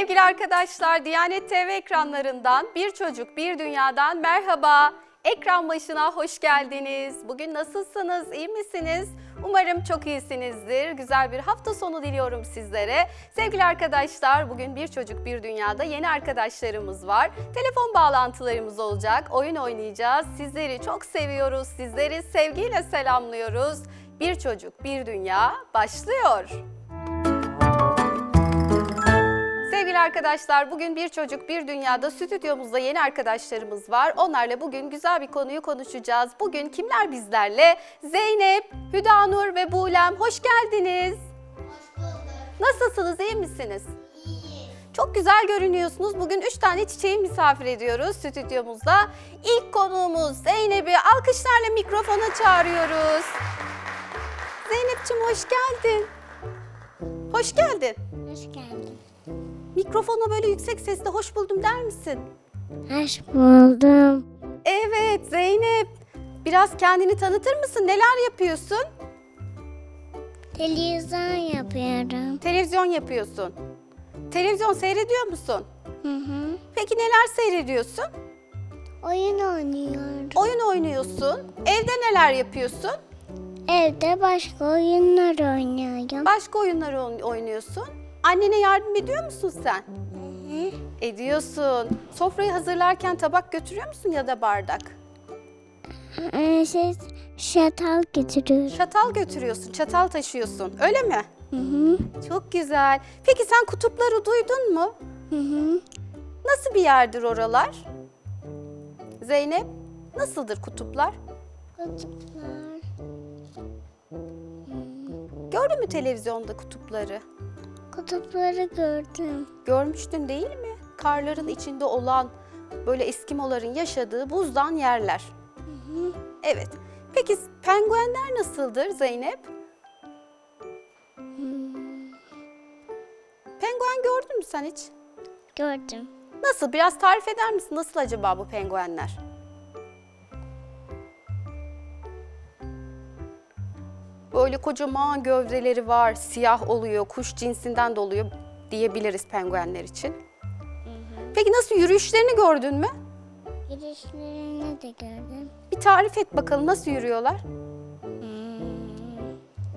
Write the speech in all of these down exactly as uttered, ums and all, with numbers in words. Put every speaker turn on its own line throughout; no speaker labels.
Sevgili arkadaşlar, Diyanet T V ekranlarından Bir Çocuk Bir Dünya'dan merhaba. Ekran başına hoş geldiniz. Bugün nasılsınız, iyi misiniz? Umarım çok iyisinizdir. Güzel bir hafta sonu diliyorum sizlere. Sevgili arkadaşlar, bugün Bir Çocuk Bir Dünya'da yeni arkadaşlarımız var. Telefon bağlantılarımız olacak, oyun oynayacağız. Sizleri çok seviyoruz, sizleri sevgiyle selamlıyoruz. Bir Çocuk Bir Dünya başlıyor. Sevgili arkadaşlar, bugün Bir Çocuk Bir Dünya'da stüdyomuzda yeni arkadaşlarımız var. Onlarla bugün güzel bir konuyu konuşacağız. Bugün kimler bizlerle? Zeynep, Hüdanur ve Buğlem, hoş geldiniz.
Hoş bulduk.
Nasılsınız, iyi misiniz?
İyi.
Çok güzel görünüyorsunuz. Bugün üç tane çiçeği misafir ediyoruz stüdyomuzda. İlk konuğumuz Zeynep'i alkışlarla mikrofona çağırıyoruz. Zeynep'ciğim hoş geldin. Hoş geldin.
Hoş geldin.
Mikrofona böyle yüksek sesle hoş buldum der misin?
Hoş buldum.
Evet Zeynep. Biraz kendini tanıtır mısın? Neler yapıyorsun?
Televizyon yapıyorum.
Televizyon yapıyorsun. Televizyon seyrediyor musun?
Hı hı.
Peki neler seyrediyorsun?
Oyun oynuyorum.
Oyun oynuyorsun. Evde neler yapıyorsun?
Evde başka oyunlar oynuyorum.
Başka oyunlar oyn- oynuyorsun. Annene yardım ediyor musun sen?
Hı hı.
Ediyorsun. Sofrayı hazırlarken tabak götürüyor musun ya da bardak?
Ee, şey, şatal getiriyorum.
Çatal götürüyorsun, çatal taşıyorsun. Öyle mi?
Hı hı.
Çok güzel. Peki sen kutupları duydun mu?
Hı hı.
Nasıl bir yerdir oralar? Zeynep, nasıldır kutuplar?
Kutuplar.
Gördün mü televizyonda kutupları?
Kutupları gördüm.
Görmüştün değil mi? Karların içinde olan, böyle Eskimoların yaşadığı buzdan yerler.
Hı hı.
Evet. Peki penguenler nasıldır Zeynep?
Hmm,
Penguen gördün mü sen hiç?
gördüm.
Nasıl? Biraz tarif eder misin? Nasıl acaba bu penguenler? Böyle kocaman gövdeleri var, siyah oluyor, kuş cinsinden de oluyor diyebiliriz penguenler için.
Hı hı.
Peki nasıl, yürüyüşlerini gördün mü?
Girişlerini de gördüm.
Bir tarif et bakalım, nasıl yürüyorlar?
Hmm.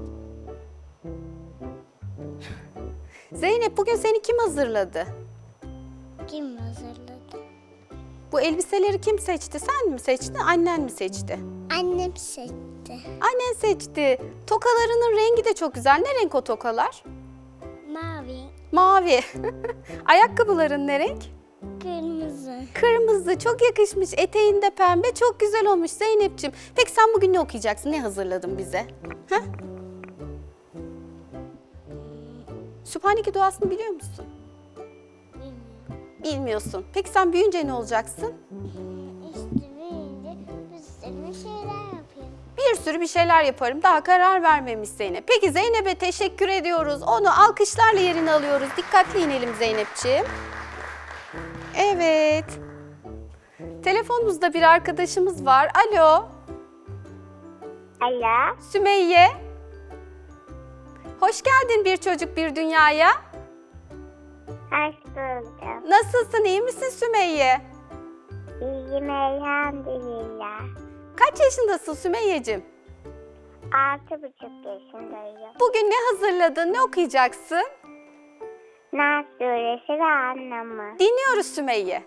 Zeynep, bugün seni kim hazırladı?
Kim hazırladı?
Bu elbiseleri kim seçti? Sen mi seçtin, annen mi seçti?
Annem seçti.
Annen seçti. Tokalarının rengi de çok güzel. Ne renk o tokalar?
Mavi,
Mavi. Ayakkabıların ne renk?
kırmızı.
Kırmızı. Çok yakışmış. Eteğinde pembe. Çok güzel olmuş Zeynep'ciğim. Peki sen bugün ne okuyacaksın? Ne hazırladın bize? Ha? Sübhaneke duasını biliyor musun? Bilmiyorsun. Peki sen büyüyünce ne olacaksın?
İşte büyüyünce bir sürü şeyler yapıyorum.
Bir sürü bir şeyler yaparım. Daha karar vermemiş Zeynep. Peki Zeynep'e teşekkür ediyoruz. Onu alkışlarla yerine alıyoruz. Dikkatli inelim Zeynep'ciğim. Evet. Telefonumuzda bir arkadaşımız var. Alo.
Alo.
Sümeyye. Hoş geldin Bir Çocuk Bir Dünya'ya.
Hoş buldum.
Nasılsın? İyi misin Sümeyye?
İyiyim elhamdülillah.
Kaç yaşındasın Sümeyye'cim?
Altı buçuk yaşındayım.
Bugün ne hazırladın? Ne okuyacaksın?
Nas suresi ve anlamı.
Dinliyoruz Sümeyye.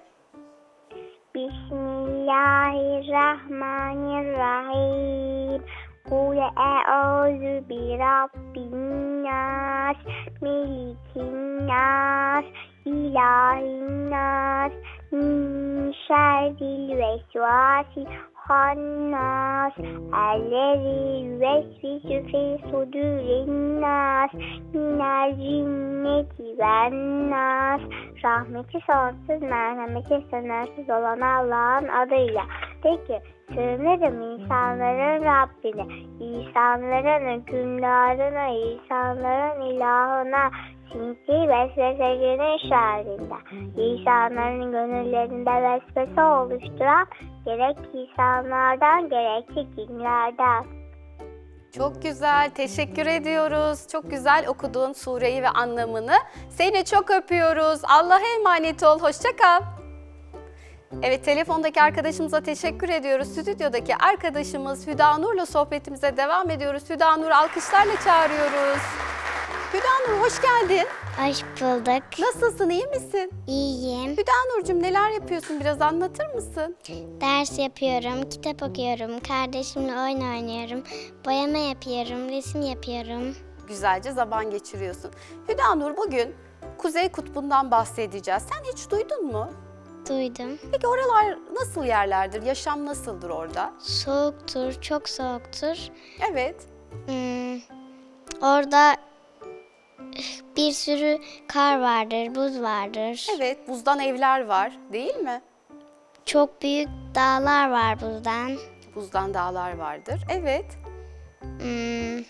Bismillahirrahmanirrahim. Kul e'ûzü bi rabbin nas, melikin nas, ilahin nas, min şerril vesvasil hannas, ellezî yüvesvisu fî sudûrin nas, minel cinneti ven nas. Rahmeti sonsuz, merhameti sınırsız olan Allah'ın adıyla. Peki, sığınırım insanların Rabbine, insanların hükümdarına, insanların ilahına, sinsi vesvesecinin şerrinden, insanların gönüllerinde vesvese oluşturan gerek insanlardan gerekse cinlerden.
Çok güzel, teşekkür ediyoruz. Çok güzel okudun sureyi ve anlamını. Seni çok öpüyoruz. Allah'a emanet ol, hoşça kal. Evet, telefondaki arkadaşımıza teşekkür ediyoruz. Stüdyodaki arkadaşımız Hüda Nur'la sohbetimize devam ediyoruz. Hüda Nur alkışlarla çağırıyoruz. Hüda Nur hoş geldin.
Hoş bulduk.
Nasılsın, iyi misin?
İyiyim.
Hüda Nur'cum neler yapıyorsun, biraz anlatır mısın?
Ders yapıyorum, kitap okuyorum, kardeşimle oyun oynuyorum, boyama yapıyorum, resim yapıyorum.
Güzelce zaman geçiriyorsun. Hüda Nur bugün Kuzey Kutbu'ndan bahsedeceğiz. Sen hiç duydun mu?
Duydum.
Peki oralar nasıl yerlerdir? Yaşam nasıldır orada?
Soğuktur, çok soğuktur.
Evet.
Hmm, orada bir sürü kar vardır, buz vardır.
Evet, buzdan evler var, değil mi?
Çok büyük dağlar var buzdan.
Buzdan dağlar vardır. Evet.
Hmm,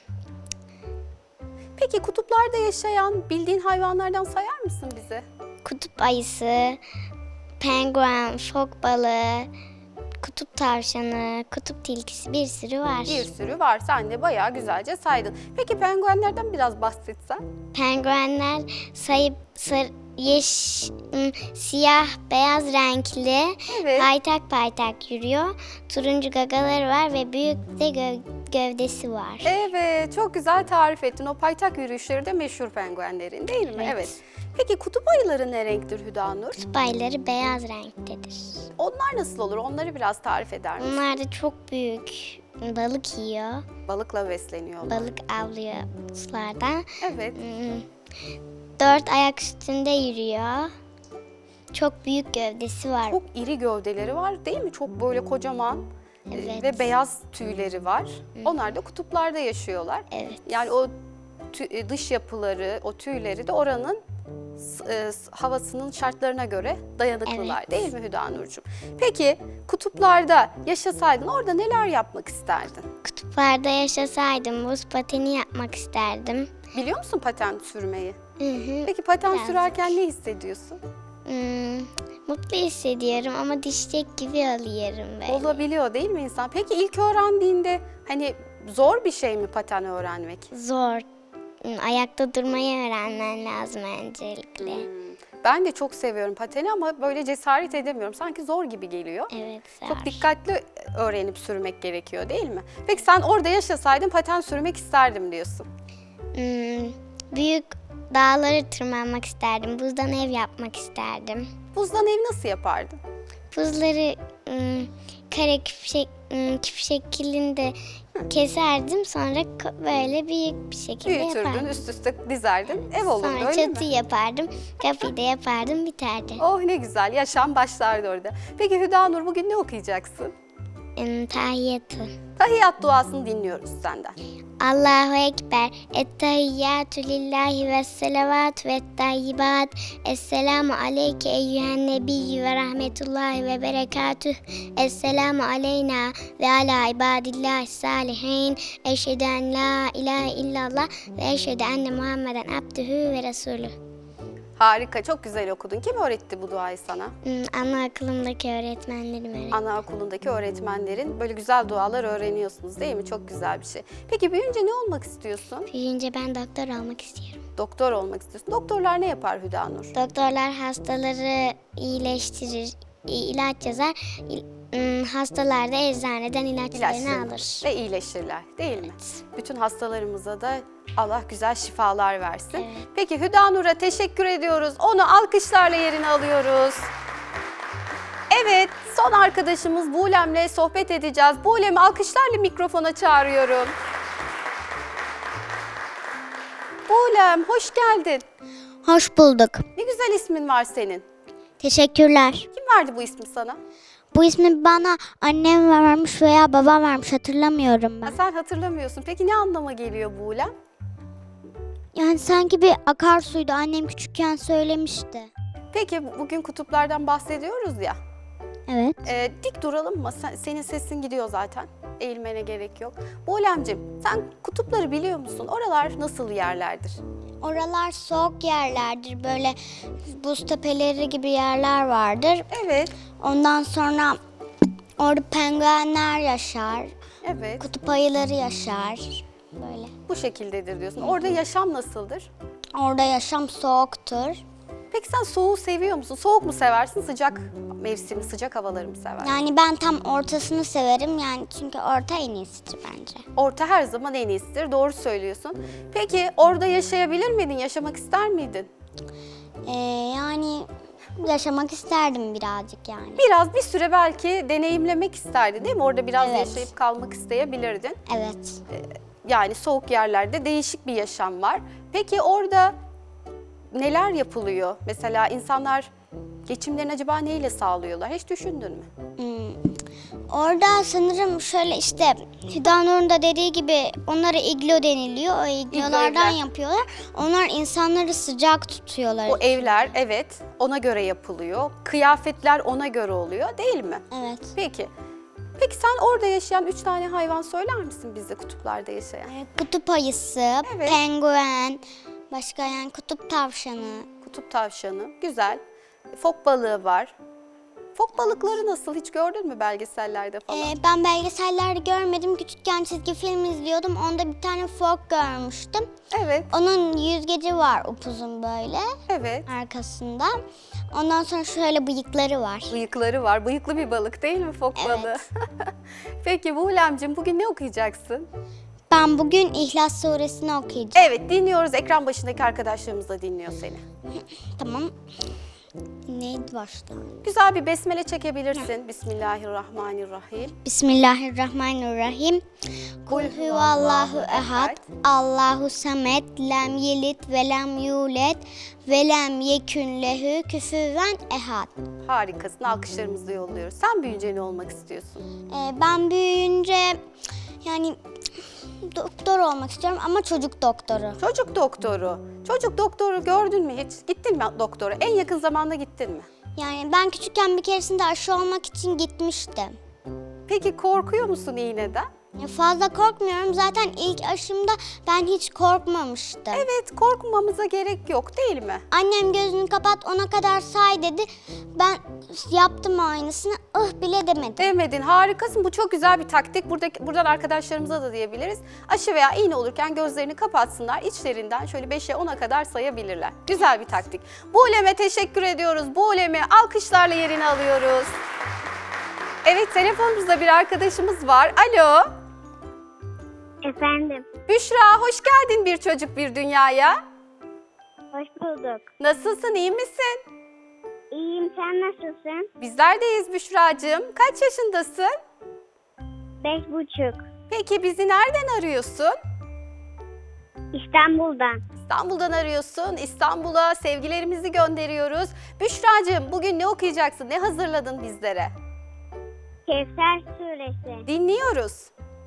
Peki kutuplarda yaşayan bildiğin hayvanlardan sayar mısın bize?
kutup ayısı, penguen, fok balığı, kutup tavşanı, kutup tilkisi bir sürü var.
Bir sürü var. Sen de bayağı güzelce saydın. Peki penguenlerden biraz bahsetsen?
Penguenler sayıp sar, yeş, ım, siyah, beyaz renkli,
Evet.
paytak paytak yürüyor. Turuncu gagaları var ve büyük de gö- gövdesi var.
Evet, çok güzel tarif ettin. O paytak yürüyüşleri de meşhur penguenlerin, değil mi?
Evet.
Peki kutup ayıları ne renktir Hüda Nur?
Kutup ayıları beyaz renktedir.
Onlar nasıl olur? Onları biraz tarif eder misin?
Onlar da çok büyük balık yiyor.
Balıkla besleniyorlar.
Balık avlıyor sularda.
Evet.
Hmm, Dört ayak üstünde yürüyor. Çok büyük gövdesi var.
Çok iri gövdeleri var değil mi? Çok böyle kocaman e,
Evet.
ve beyaz tüyleri var. Onlar da kutuplarda yaşıyorlar.
Evet.
Yani o tü- e, dış yapıları, o tüyleri de oranın s- e, s- havasının şartlarına göre dayanıklılar
Evet.
değil mi Hüda Nurcuğum? Peki kutuplarda yaşasaydın orada neler yapmak isterdin?
Kutuplarda yaşasaydım buz pateni yapmak isterdim.
Biliyor musun paten sürmeyi?
Hı hı.
Peki paten
Birazcık.
sürerken ne hissediyorsun?
Hmm, mutlu hissediyorum ama düşecek gibi oluyorum böyle.
Olabiliyor değil mi insan? Peki ilk öğrendiğinde hani zor bir şey mi paten öğrenmek?
Zor. Hmm, Ayakta durmayı öğrenmen lazım öncelikle.
Hmm, Ben de çok seviyorum pateni ama böyle cesaret edemiyorum. Sanki zor gibi geliyor.
Evet, zor.
Çok dikkatli öğrenip sürmek gerekiyor değil mi? Peki sen orada yaşasaydın paten sürmek isterdim diyorsun.
Hmm, büyük dağları tırmanmak isterdim. Buzdan ev yapmak isterdim.
Buzdan ev nasıl yapardın?
Buzları hmm, kare küp, şek, hmm, küp şeklinde keserdim. Sonra ko- böyle büyük bir şekilde
Büyütürdün,
yapardım.
üst üste dizerdin, ev olurdu
Sonra
öyle
çatı
mi?
yapardım. Kapıyı da yapardım, biterdi.
Oh ne güzel, yaşam başlardı orada. Peki Hüda Nur bugün ne okuyacaksın?
Hmm, tahiyyatı.
Tahiyyat duasını dinliyoruz senden.
Allahu Ekber. Ettehiyyatü lillahi ve selavat ve tayyibat. Esselamu aleyke eyyühen nebiyyü ve rahmetullahi ve berekatüh. Esselamu aleyna ve ala ibadillahi salihin. Eşhedü en la ilahe illallah ve eşhedü enne Muhammeden abdühü ve resulü.
Harika, çok güzel okudun. Kim öğretti bu duayı sana?
Hmm, Anaokulundaki öğretmenlerim öğretti.
Anaokulundaki öğretmenlerin böyle güzel dualar öğreniyorsunuz değil mi? Çok güzel bir şey. Peki büyüyünce ne olmak istiyorsun?
Büyüyünce ben doktor olmak istiyorum.
Doktor olmak istiyorsun. Doktorlar ne yapar Hüda Nur?
Doktorlar hastaları iyileştirir, i- ilaç yazar. İ- ım, Hastalar da eczaneden ilaçlarını
İlaçlarını
alır.
ve iyileşirler değil mi? Bütün hastalarımıza da Allah güzel şifalar versin.
Evet.
Peki Hüda Nur'a teşekkür ediyoruz. Onu alkışlarla yerine alıyoruz. Evet, son arkadaşımız Buğlem'le sohbet edeceğiz. Buğlem'i alkışlarla mikrofona çağırıyorum. Buğlem, hoş geldin.
Hoş bulduk.
Ne güzel ismin var senin.
Teşekkürler.
Kim verdi bu ismi sana?
Bu ismi bana annem vermiş veya babam vermiş, hatırlamıyorum
Ha,
ben.
sen hatırlamıyorsun. Peki ne anlama geliyor Buğlem?
Yani sanki bir akarsuydu, annem küçükken söylemişti.
Peki bugün kutuplardan bahsediyoruz ya.
Evet.
Ee, dik duralım mı? Sen- senin sesin gidiyor zaten. Eğilmene gerek yok. Buğlemciğim sen kutupları biliyor musun? Oralar nasıl yerlerdir?
Oralar soğuk yerlerdir, böyle buz tepeleri gibi yerler vardır.
Evet,
Ondan sonra orada penguenler yaşar,
evet.
kutup ayıları yaşar. böyle.
Bu şekildedir diyorsun. Orada yaşam nasıldır?
Orada yaşam soğuktur.
Peki sen soğuğu seviyor musun? Soğuk mu seversin, sıcak mevsimi, sıcak havaları mı seversin?
Yani ben tam ortasını severim yani çünkü orta en iyisidir bence.
Orta her zaman en iyisidir, doğru söylüyorsun. Peki orada yaşayabilir miydin, yaşamak ister miydin?
Ee, yani yaşamak isterdim birazcık yani.
Biraz bir süre belki deneyimlemek isterdin değil mi? Orada biraz
Evet.
yaşayıp kalmak isteyebilirdin.
Evet.
Yani soğuk yerlerde değişik bir yaşam var. Peki orada neler yapılıyor? Mesela insanlar geçimlerini acaba neyle sağlıyorlar? Hiç düşündün mü?
Hmm. Orada sanırım şöyle işte Hüdanur'un da dediği gibi onlara iglo deniliyor. O iglolardan
evler.
yapıyorlar. Onlar insanları sıcak tutuyorlar.
O evler evet ona göre yapılıyor. Kıyafetler ona göre oluyor değil mi?
Evet.
Peki. Peki sen orada yaşayan üç tane hayvan söyler misin bize, kutuplarda yaşayan?
Ee, Kutup ayısı,
Evet.
penguen, başka yani kutup tavşanı.
Kutup tavşanı, güzel. Fok balığı var. Fok balıkları nasıl? Hiç gördün mü belgesellerde falan?
Ee, ben belgesellerde görmedim. Küçükken çizgi film izliyordum. Onda bir tane fok görmüştüm.
Evet,
Onun yüzgeci var upuzun böyle
evet.
arkasında. Ondan sonra şöyle bıyıkları var.
Bıyıkları var. Bıyıklı bir balık değil mi fok
Evet.
balığı? Peki Buğulemciğim bugün ne okuyacaksın?
Ben bugün İhlas Suresini okuyacağım.
Evet dinliyoruz. Ekran başındaki arkadaşlarımız da dinliyor seni.
Tamam. Neydi başta?
Güzel bir besmele çekebilirsin. Bismillahirrahmanirrahim.
Bismillahirrahmanirrahim. Kul huvallahu ehad, Allahu samet, lem yelit ve lem yulet ve lem yekün lehu küfüven ehad.
Harikasın. Alkışlarımızı yolluyoruz. Sen büyüyünce ne olmak istiyorsun?
Ee, ben büyüyünce yani doktor olmak istiyorum ama çocuk doktoru.
Çocuk doktoru. Çocuk doktoru gördün mü hiç? Gittin mi doktora? En yakın zamanda gittin mi?
Yani ben küçükken bir keresinde aşı olmak için gitmiştim.
Peki korkuyor musun iğneden?
Ya fazla korkmuyorum. Zaten ilk aşımda ben hiç korkmamıştım.
Evet, korkmamıza gerek yok değil mi?
Annem gözünü kapat ona kadar say dedi. Ben yaptım aynısını. ıh bile demedim.
Demedin, harikasın. Bu çok güzel bir taktik. Buradaki, buradan arkadaşlarımıza da diyebiliriz. Aşı veya iğne olurken gözlerini kapatsınlar. İçlerinden şöyle beşe ona kadar sayabilirler. Güzel bir taktik. Buğulem'e teşekkür ediyoruz. Buğulem'i alkışlarla yerine alıyoruz. Evet, telefonumuzda bir arkadaşımız var. Alo.
Efendim,
Büşra, hoş geldin Bir Çocuk Bir Dünya'ya.
hoş bulduk.
Nasılsın, iyi misin?
İyiyim, sen nasılsın?
Bizler deyiz Büşra'cığım. Kaç yaşındasın?
Beş buçuk.
Peki bizi nereden arıyorsun?
İstanbul'dan.
İstanbul'dan arıyorsun. İstanbul'a sevgilerimizi gönderiyoruz. Büşra'cığım bugün ne okuyacaksın? Ne hazırladın bizlere?
Kevser Suresi.
Dinliyoruz.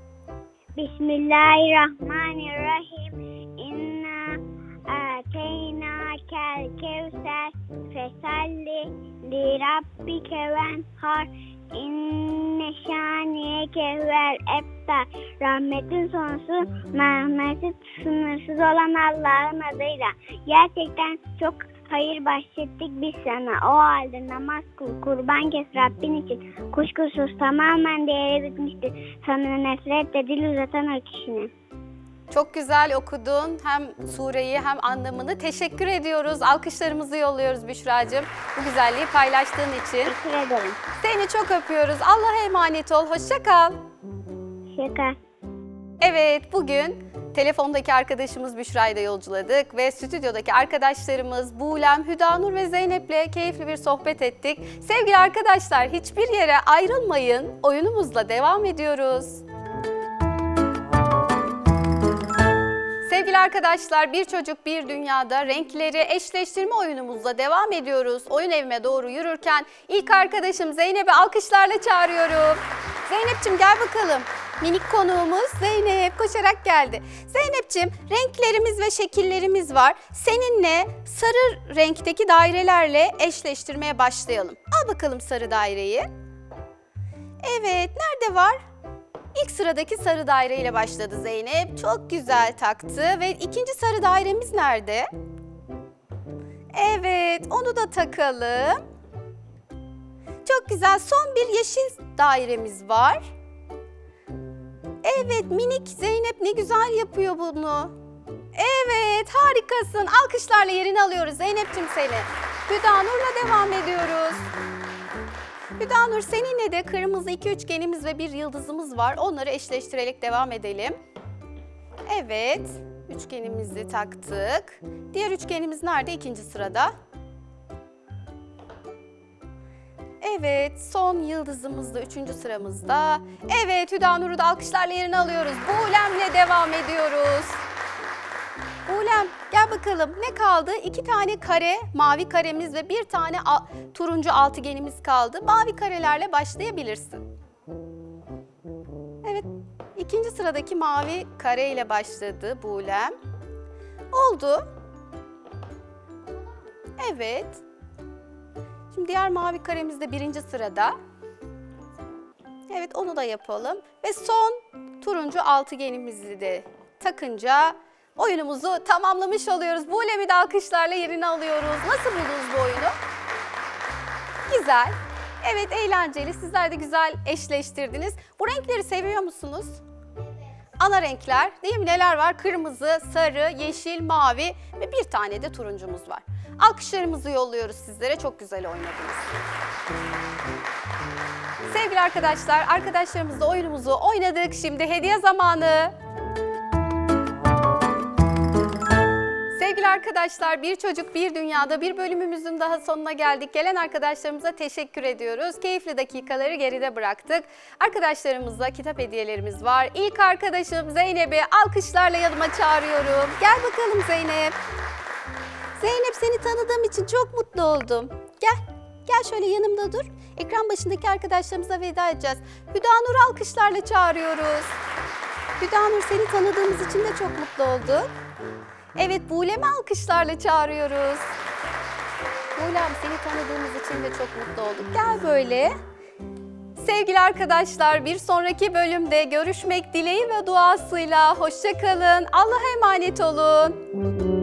Bismillahirrahmanirrahim. İnna ateynakel kevser fesalli li rabbike venhar. İnne şaniyeke huvel ebtar. Rahmetin sonsuz, merhameti sınırsız olan Allah'ın adıyla. Gerçekten çok hayır bahşettik biz sana. O halde namaz kıl, kurban kes Rabbin için. Kuşkusuz tamamen değeri bitmiştir. Sana nefret de dil uzatan o kişinin.
Çok güzel okudun. Hem sureyi hem anlamını. Teşekkür ediyoruz. Alkışlarımızı yolluyoruz Büşra'cığım. Bu güzelliği paylaştığın için.
Teşekkür ederim.
Seni çok öpüyoruz. Allah'a emanet ol. Hoşça kal.
Şaka.
Evet, bugün telefondaki arkadaşımız Büşra'yı da yolculadık ve stüdyodaki arkadaşlarımız Buğlem, Hüdanur ve Zeynep'le keyifli bir sohbet ettik. Sevgili arkadaşlar, hiçbir yere ayrılmayın. Oyunumuzla devam ediyoruz. Sevgili arkadaşlar, Bir Çocuk Bir Dünya'da renkleri eşleştirme oyunumuzla devam ediyoruz. Oyun evime doğru yürürken ilk arkadaşım Zeynep'i alkışlarla çağırıyorum. Zeynep'ciğim gel bakalım. Minik konuğumuz Zeynep koşarak geldi. Zeynep'ciğim renklerimiz ve şekillerimiz var. Seninle sarı renkteki dairelerle eşleştirmeye başlayalım. Al bakalım sarı daireyi. Evet, nerede var? İlk sıradaki sarı daireyle başladı Zeynep. Çok güzel taktı ve ikinci sarı dairemiz nerede? Evet, onu da takalım. Çok güzel. Son bir yeşil dairemiz var. Evet, minik Zeynep ne güzel yapıyor bunu. Evet, harikasın. Alkışlarla yerini alıyoruz Zeynep'ciğim seni. Hüdanur'la devam ediyoruz. Hüdanur, seninle de kırmızı iki üçgenimiz ve bir yıldızımız var. Onları eşleştirerek devam edelim. Evet, üçgenimizi taktık. Diğer üçgenimiz nerede? İkinci sırada. Evet, son yıldızımız da üçüncü sıramızda. Evet, Hüdanur'u da alkışlarla yerini alıyoruz. Buğlem'le devam ediyoruz. Buğlem, gel bakalım ne kaldı? İki tane kare, mavi karemiz ve bir tane turuncu altıgenimiz kaldı. Mavi karelerle başlayabilirsin. Evet, ikinci sıradaki mavi kare ile başladı Buğlem. Oldu. Evet. Şimdi diğer mavi karemiz de birinci sırada. Evet, onu da yapalım. Ve son turuncu altıgenimizi de takınca oyunumuzu tamamlamış oluyoruz. Buğlem'i de alkışlarla yerini alıyoruz. Nasıl buldunuz bu oyunu? Güzel. Evet, eğlenceli. Sizler de güzel eşleştirdiniz. Bu renkleri seviyor musunuz? Ana renkler değil mi? Neler var? Kırmızı, sarı, yeşil, mavi ve bir tane de turuncumuz var. Alkışlarımızı yolluyoruz sizlere. Çok güzel oynadınız. Sevgili arkadaşlar, arkadaşlarımızla oyunumuzu oynadık. Şimdi hediye zamanı. Sevgili arkadaşlar, Bir Çocuk Bir Dünya'da bir bölümümüzün daha sonuna geldik. Gelen arkadaşlarımıza teşekkür ediyoruz. Keyifli dakikaları geride bıraktık. Arkadaşlarımıza kitap hediyelerimiz var. İlk arkadaşım Zeynep'i alkışlarla yanıma çağırıyorum. Gel bakalım Zeynep. Zeynep, seni tanıdığım için çok mutlu oldum. Gel, gel şöyle yanımda dur. Ekran başındaki arkadaşlarımıza veda edeceğiz. Hüdanur'u alkışlarla çağırıyoruz. Hüdanur, seni tanıdığımız için de çok mutlu olduk. Evet, Buğlem'i alkışlarla çağırıyoruz. Buğlem, seni tanıdığımız için de çok mutlu olduk. Gel böyle. Sevgili arkadaşlar, bir sonraki bölümde görüşmek dileği ve duasıyla. Hoşça kalın. Allah'a emanet olun.